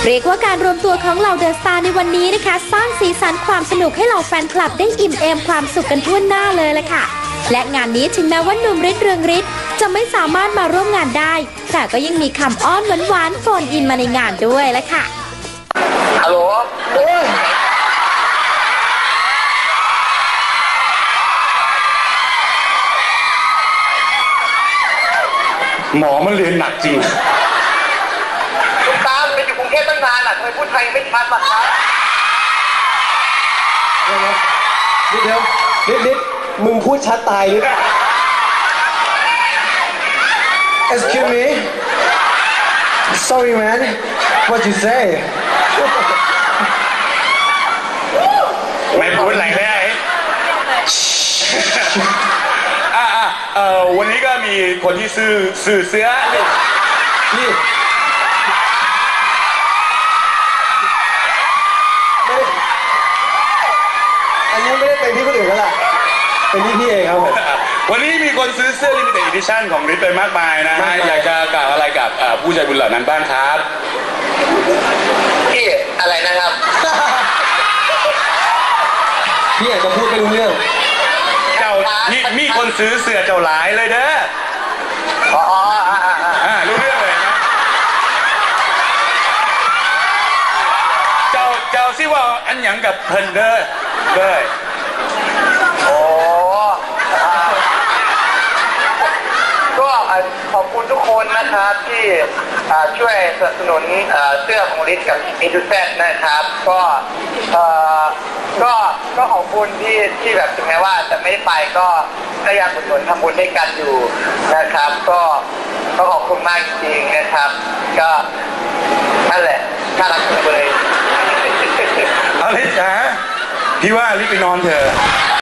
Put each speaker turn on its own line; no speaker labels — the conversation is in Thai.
เรียกว่าการรวมตัวของเหล่าเดอะสตาร์ในวันนี้นะคะสร้างสีสันความสนุกให้เหล่าแฟนคลับได้อิ่มเอมความสุขกันทั่วหน้าเลยล่ะค่ะและงานนี้ถึงแม้ว่าหนุ่มฤทธิ์เรืองฤทธิ์จะไม่สามารถมาร่วมงานได้แต่ก็ยังมีคำอ้อนหวานๆโฟนอินมาในงานด้วยล่ะค่ะ
ฮัลโหล
หมอมันเรียนหนักจริง
คุณตามไปอยู่กรุงเทพตั้งนานอ่ะทำไมพูดไทยไม่ชัดล่ะครับ
เดี๋ยวนิดมึงพูดชัดตายนิด Excuse me Sorry man What you say
ไม่พูดอะไรเลยวันนี้ก็มีคนที่ซื้อเสื้อนี่
อันนี้ไม่ได้เป็นที่คนอื่นแล้วล่ะเป็นที่พี่เองครับผม
วันนี้มีคนซื้อเสื้อ Limited Edition ของฤทธิ์ไปมากมายนะฮะอยากจะกล่าวอะไรกับผู้ใจบุญเหล่านั้นบ้างครับ
พี่อะไรนะครับ
พี่อยากจะพูดไม่รู้เรื่อง
เจ้ามีคนซื้อเสื้อเจ้าหลายเลยเด้อรู้เรื่องเลยนะเจ้าซิว่าอันหยังกับเพิ่นเด้อเลย
ก็ขอบคุณทุกคนนะครับที่ช่วยสนับสนุนเสื้อของฤทธิ์กับอินดูแซนนะครับก็ขอบคุณที่แบบถึงแม้ว่าจะไม่ได้ไปก็ยังอุดหนุนทำบุญด้วยกันอยู่นะครับก็ขอบคุณมากจริงๆนะครับก็นั่นแหละน่ารักจังเลย
เอาฤทธิ์พี่ว่าฤทธิ์ไปนอนเถอะ